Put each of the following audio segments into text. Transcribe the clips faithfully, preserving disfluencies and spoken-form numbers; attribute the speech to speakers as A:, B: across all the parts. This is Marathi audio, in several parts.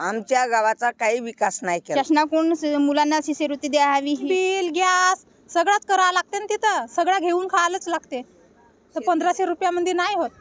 A: आमच्या गावाचा काही विकास नाही केला.
B: शासनाकडून स- मुलांना शिष्यवृत्ती द्यावी, बिल गॅस सगळंच करावं लागते ना, तिथं सगळं घेऊन खायलाच लागते. तर पंधराशे रुपयामध्ये नाही होत.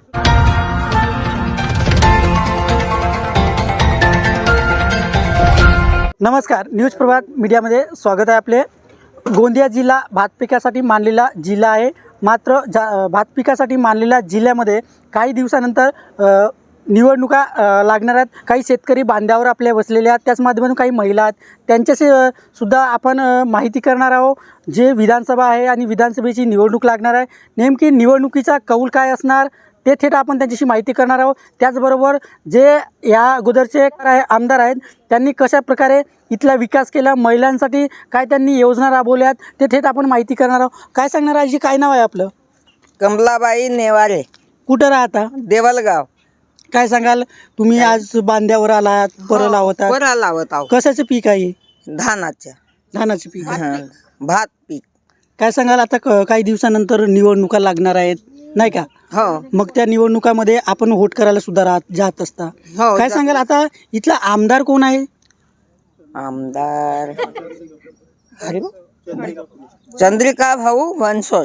C: नमस्कार, न्यूज प्रभात मीडियामध्ये स्वागत आहे आपले. गोंदिया जिल्हा भात पिकासाठी मानलेला जिल्हा आहे. मात्र जा भात पिकासाठी मानलेल्या जिल्ह्यामध्ये काही दिवसानंतर अ, निवडणुका अ, लागणार आहेत. काही शेतकरी बांधावर आपल्या बसलेले आहेत, त्याच माध्यमातून काही महिला आहेत, त्यांच्याशी अ, सुद्धा आपण अ, माहिती करणार आहोत. जे विधानसभा आहे आणि विधानसभेची निवडणूक लागणार आहे, नेमकी निवडणुकीचा कौल काय असणार ते थेट आपण त्यांच्याशी माहिती करणार आहोत. त्याचबरोबर जे या अगोदरचे काय आमदार आहेत त्यांनी कशा प्रकारे इथला विकास केला, महिलांसाठी काय त्यांनी योजना राबवल्यात ते थेट आपण माहिती करणार आहोत. काय सांगणार आजी, काय नाव आहे आपलं?
A: कमलाबाई नेवारे,
C: कुठं राहता?
A: देवलगाव.
C: काय सांगाल, तुम्ही आज बांध्यावर आलात, परं लावतात,
A: बरं लावत आहो.
C: कशाचं पीक आहे?
A: धानाच्या
C: धानाचं पीक आहे.
A: हं, भात पीक.
C: काय सांगाल, आता क- काही दिवसानंतर निवडणुका लागणार आहेत नाही का?
A: हो
C: मग त्या निवडणुकामध्ये आपण वोट करायला सुद्धा राहत जात असता.
A: हो
C: काय
A: जा-
C: सांगाल, आता इथला आमदार कोण आहे?
A: आमदार अरे चंद्रिका भाऊ बनसोड.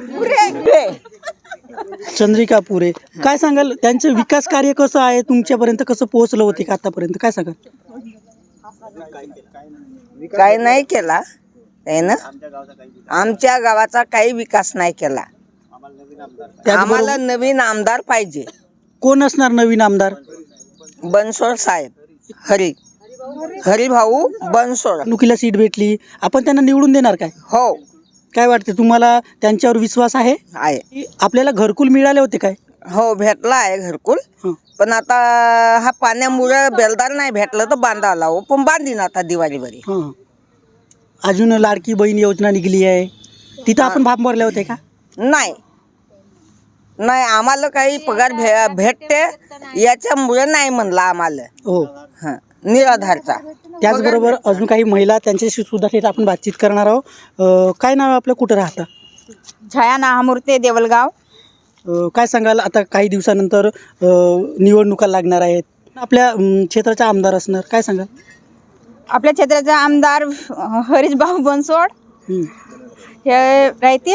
C: चंद्रिका पुरे. काय सांगाल, त्यांचं विकास कार्य कसं आहे, तुमच्यापर्यंत कसं पोहोचलं होते का आतापर्यंत? काय सांगाल?
A: काय नाही केला त्यानं. आमच्या गावाचा काही विकास नाही केला. आम्हाला नवीन आमदार पाहिजे.
C: कोण असणार नवीन आमदार?
A: बनसोड साहेब, हरी हरिभाऊ बनसोड.
C: निवडणुकीला सीट भेटली, आपण त्यांना निवडून देणार काय?
A: हो
C: काय वाटते तुम्हाला, त्यांच्यावर विश्वास आहे?
A: आहे.
C: की आपल्याला घरकुल मिळाले होते काय?
A: हो भेटला आहे घरकुल.
C: हं.
A: पण आता हा पाण्यामुळे बेलदार नाही भेटलं तर बांधावं लावू, पण बांधीन आता दिवाळी बरी.
C: हां. अजून लाडकी बहीण योजना निघाली आहे, तिथं आपण फार्म भरले होते का?
A: नाही नाही आम्हाला काही पगार भे भेटते याच्यामुळे नाही म्हणला आम्हाला.
C: हो.
A: हं, निराधारचा.
C: त्याचबरोबर अजून काही महिला, त्यांच्याशी सुद्धा थेट आपण बातचीत करणार आहोत. अ, काय नाव आहे आपलं, कुठं राहता?
B: छाया नाहामूर्ते, देवलगाव.
C: अ, काय सांगाल, आता काही दिवसानंतर अ, निवडणुका लागणार आहेत, आपल्या अम, क्षेत्राचा आमदार असणार, काय सांगाल?
B: आपल्या क्षेत्राचा आमदार हरीशभाऊ बनसोड
C: हं.
B: हे राहतील.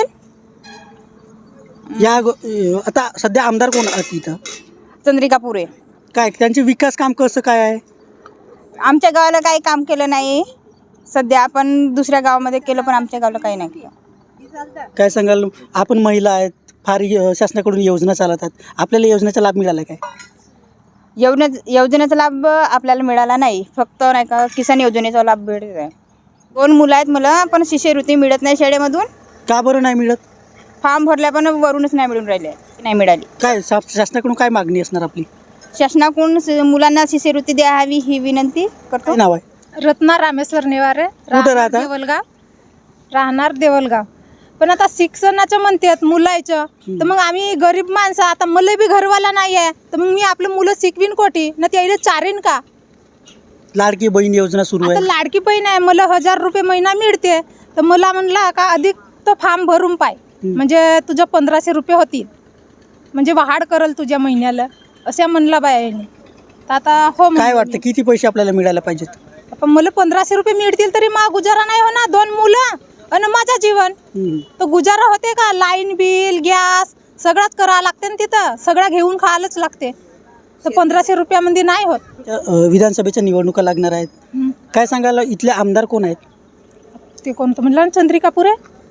C: या अगो- अ, आता सध्या आमदार कोण आहेत इथं?
B: चंद्रिका पुरे.
C: काय त्यांचे विकास काम कसं काय आहे?
B: आमच्या गावाला काही काम केलं नाही. सध्या आपण दुसऱ्या गावामध्ये केलं, पण आमच्या गावाला काही नाही केलं.
C: काय सांगाल, आपण महिला आहेत, फार य- शासनाकडून योजना चालतात, आपल्याला योजनेचा लाभ मिळाला काय?
B: योजने योजनेचा लाभ आपल्याला मिळाला नाही. फक्त नाही का किसान योजनेचा लाभ मिळत आहे. दोन मुलं आहेत मला, पण शिष्यवृत्ती मिळत नाही शाळेमधून.
C: का बरं नाही मिळत?
B: फॉर्म भरल्या पण वरूनच नाही मिळून राहिले, नाही मिळाली.
C: काय शा- शासनाकडून काय मागणी असणार आपली?
B: शासनाकडून स- मुलांना शिष्यवृत्ती द्यावी ही विनंती करतो.
C: काय नाव आहे?
D: रत्ना रामेश्वर नेवारे,
C: कुठं राहता?
D: देवलगाव. राहणार देवलगाव. पण आता शिक्षणाचं म्हणतात मुलाचं, तर मग आम्ही गरीब माणसं, आता मला बी घरवाला नाही आहे, तर मग मी आपलं मुलं शिकवीन कोठी ना, त्याला चारीन का?
C: लाडकी बहीण योजना सुरू
D: आता
C: आहे.
D: लाडकी बहीण आहे, मला हजार रुपये महिना मिळते, तर मला म्हणला का अधिक तो फॉर्म भरून पाय, म्हणजे तुझं पंधराशे रुपये होतील, म्हणजे वाढ करल तुझ्या महिन्याला, असं म्हणला बायाने. तर आता हो
C: काय
D: म्हणलं
C: वाटतं, किती पैसे आपल्याला मिळायला पाहिजेत?
D: मी. पण मला पंधराशे रुपये मिळतील तरी मा गुजारा नाही होणार. दोन मुलं आणि माझं जीवन,
C: हं.
D: तर गुजारा होते का? लाईन बिल गॅस सगळंच करावं लागते ना, तिथं सगळं घेऊन खायलाच लागते. तर पंधराशे रुपयामध्ये नाही होत.
C: त्या, अ, विधानसभेच्या निवडणुका लागणार आहेत.
D: हं.
C: काय सांगाल, इथले आमदार कोण आहेत?
D: ते कोणतं म्हणलं ना, चंद्रिका पुरे.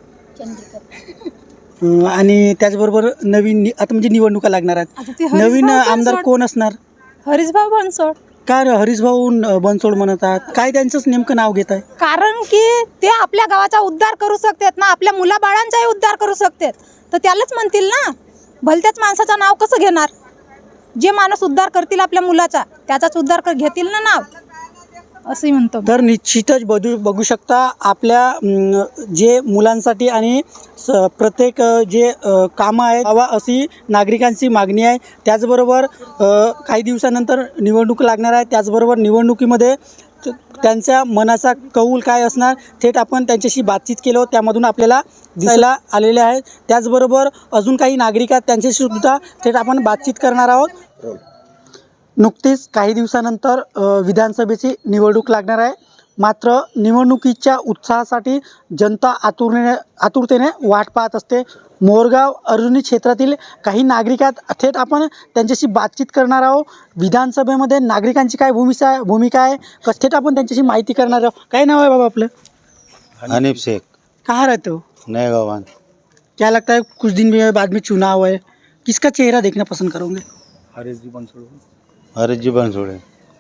C: अ, आणि त्याचबरोबर नवीन नि- आता म्हणजे निवडणुका लागणार
D: आता
C: आहेत,
D: ते हरीश
C: नवीन
D: भाऊ
C: आमदार
D: बनसोड.
C: कोण असणार?
D: हरीशभाऊ बनसोड.
C: काय हरीशभाऊ न- बनसोड म्हणतात, काय त्यांचंच नेमकं नाव घेत आहे?
D: कारण की ते आपल्या गावाचा उद्धार करू शकतात ना, आपल्या मुलाबाळांचाही उद्धार करू शकतात, तर त्यालाच म्हणतील ना. भलत्याच माणसाचं नाव कसं घेणार? जे माणूस उद्धार करतील आपल्या मुलाचा, त्याचाच उद्धार कर घेतील ना नाव, असंही म्हणतो.
C: तर निश्चितच बघू बघू शकता, आपल्या अम, जे मुलांसाठी आणि स प्रत्येक अ, जे अ, कामं आहेत हवा अशी नागरिकांची मागणी आहे. त्याचबरोबर अ, काही दिवसानंतर निवडणूक लागणार आहे, त्याचबरोबर निवडणुकीमध्ये त- त्यांच्या मनाचा कौल काय असणार थेट आपण त्यांच्याशी बातचीत केलो, त्यामधून आपल्याला दिसायला आलेले आहेत. त्याचबरोबर अजून काही नागरिक आहेत, त्यांच्याशी सुद्धा थेट आपण बातचीत करणार आहोत. नुकतीच काही दिवसानंतर अ, विधानसभेची निवडणूक लागणार आहे. मात्र निवडणुकीच्या उत्साहासाठी जनता आतुरतेने आतुरतेने वाट पाहत असते. मोरगाव अर्जुनी क्षेत्रातील काही नागरिक आहेत. थेट आपण त्यांच्याशी बातचीत करणार आहोत. विधानसभेमध्ये नागरिकांची काय भूमिका आहे भूमिका आहे कस थेट आपण त्यांच्याशी माहिती करणार आहोत. काय नाव है बाबा आपलं?
E: हनीफ शेख,
C: कहाँ रहते हो?
E: नए गवान।
C: क्या लगता है कुछ दिन में बाद में चुनाव है, किसका चेहरा देखना पसंद करोगे?
E: हरीश जी बनसोड़े,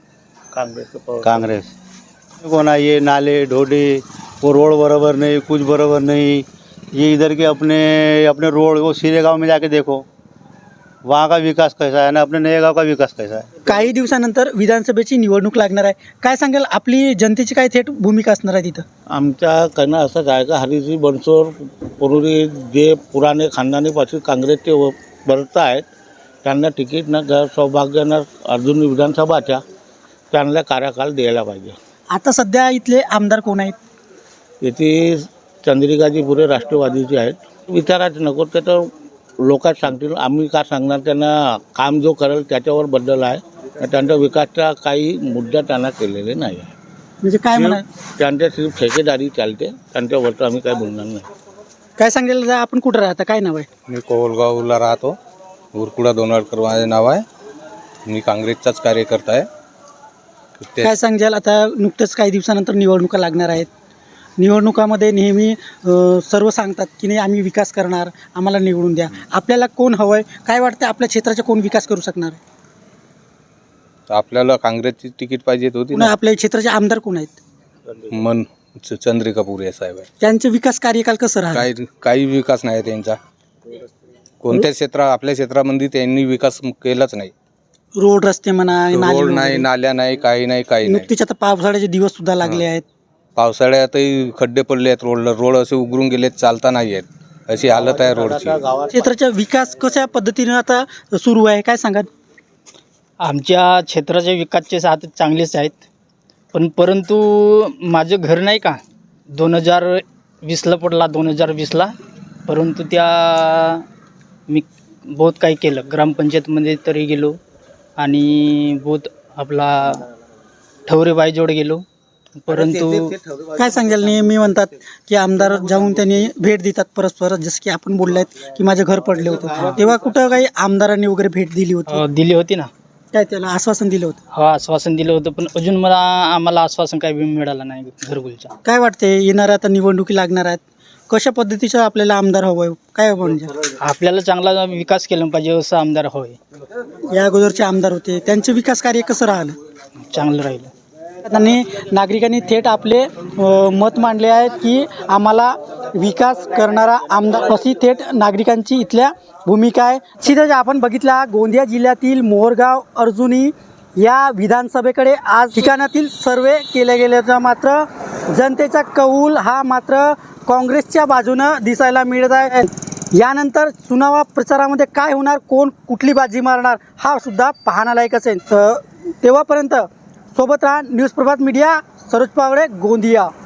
E: कांग्रेस। देखो ना, ये नाले ढोडे वो रोड बराबर नहीं, कुछ बराबर नहीं। ये इधर के अपने अपने रोड वो सीरे गांव में जाके देखो, वहाँ का विकास कैसा है ना, अपने नए गांव का विकास कैसा है।
C: काही दिवसानंतर विधानसभेची निवडणूक लागणार आहे. काय सांगाल, आपली जनतेची काय थेट भूमिका असणार आहे तिथं?
F: आमच्या करणं असंच आहे का हरीजी बनसोड पूर्वी जे पुराणे खानदानीपासून काँग्रेसचे व वर्त आहेत त्यांना तिकीट न घर सौभाग्यानं अर्जुन विधानसभाच्या चांगला कार्यकाल द्यायला पाहिजे.
C: आता सध्या इथले आमदार कोण आहेत?
F: येथे चंद्रिकाजी पुरे राष्ट्रवादीचे आहेत. विचारायचं नको ते तर लोकच सांगतील, आम्ही का सांगणार. त्यांना काम जो करेल त्याच्यावर बद्दल आहे. त्यांचा विकासचा काही मुद्दा त्यांना केलेले नाही आहे.
C: म्हणजे काय म्हणा
F: त्यांच्या सिर्फ ठेकेदारी चालते, त्यांच्यावरचं आम्ही काय बोलणार नाही.
C: काय सांगेल, आपण कुठं राहता, काय नाव आहे?
G: मी कोवलगावला राहतो. उरकुडा दोनवडकर माझे नाव आहे. मी काँग्रेसचाच कार्यकर्ता आहे. ते-
C: काय सांगाल, आता नुकतंच काही दिवसानंतर निवडणुका लागणार आहेत. निवडणुकामध्ये नेहमी अ, सर्व सांगतात की नाही आम्ही विकास करणार, आम्हाला निवडून द्या. आपल्याला कोण हवं आहे, काय वाटतं आपल्या क्षेत्राचा कोण विकास करू शकणार आहे?
G: आपल्याला काँग्रेसची तिकीट पाहिजे होती
C: पुन्हा
G: ना.
C: आपल्या क्षेत्राचे आमदार कोण आहेत?
G: मन च- चंद्रिका पुरे साहेब आहे.
C: त्यांचे विकास कार्यकाल कसं राहतं?
G: काही काही विकास नाही त्यांचा. कोणत्याच क्षेत्रा आपल्या क्षेत्रामध्ये त्यांनी विकास केलाच नाही.
C: रोड रस्ते म्हणा, नाले
G: रोड
C: वगैरे.
G: नाही, नाल्या नाही, काही नाही, काही नाही.
C: नुकतीच आता पावसाळ्याचे दिवस सुद्धा लागले आहेत.
G: पावसाळ्यातही खड्डे पडले आहेत रोडला. रोड असे उघडून गेलेत, चालता नाही आहेत. अशी हालत आहे रोडची.
C: क्षेत्राचा विकास कशा पद्धतीने आता सुरू आहे, काय सांगा?
H: आमच्या क्षेत्राचे विकासचे साथ चांगलेच आहेत. पण परंतु माझं घर नाही का दोन हजार वीसला पडला, दोन हजार वीसला. परंतु त्या मी बहुत काही केलं. ग्रामपंचायतमध्ये तरी गेलो आणि बहुत आपला ठवरेबाईजवळ गेलो. परंतु
C: काय सांगाल, नेहमी म्हणतात की आमदार जाऊन त्यांनी भेट देतात परस्पर, जसं की आपण बोललात की माझं घर पडले होतं, तेव्हा कुठं काही आमदारांनी वगैरे भेट दिली होती?
H: अ, दिली होती ना.
C: काय त्याला आश्वासन दिलं होतं?
H: हा, आश्वासन दिलं होतं, पण अजून मला आम्हाला आश्वासन काही मिळालं नाही घरकुलच्या.
C: काय वाटते, येणाऱ्या आता निवडणुकी लागणार आहेत, कशा पद्धतीचं आपल्याला आमदार हवं आहे, काय म्हणजे?
H: आपल्याला चांगला विकास केला पाहिजे असं आमदार हवं आहे.
C: या अगोदरचे आमदार होते, त्यांचे विकास कार्य कसं राहिलं?
H: चांगलं राहिलं.
C: त्यांनी नागरिकांनी थेट आपले अ, मत मांडले आहेत की आम्हाला विकास करणारा आमदार, अशी थेट नागरिकांची इथल्या भूमिका आहे. सीधे आपण बघितला गोंदिया जिल्ह्यातील मोरगाव अर्जुनी या विधानसभेकडे आज ठिकाणातील सर्वे केले गेल्याचा मात्र जनतेचा कौल हा मात्र काँग्रेसच्या बाजूनं दिसायला मिळत आहे. यानंतर चुनावा प्रचारामध्ये काय होणार, कोण कुठली बाजी मारणार, हा सुद्धा पाहण्यालायक असेल. तर तेव्हापर्यंत सोबत राहा. News Prabhat media, Saroj Pawade, Gondia.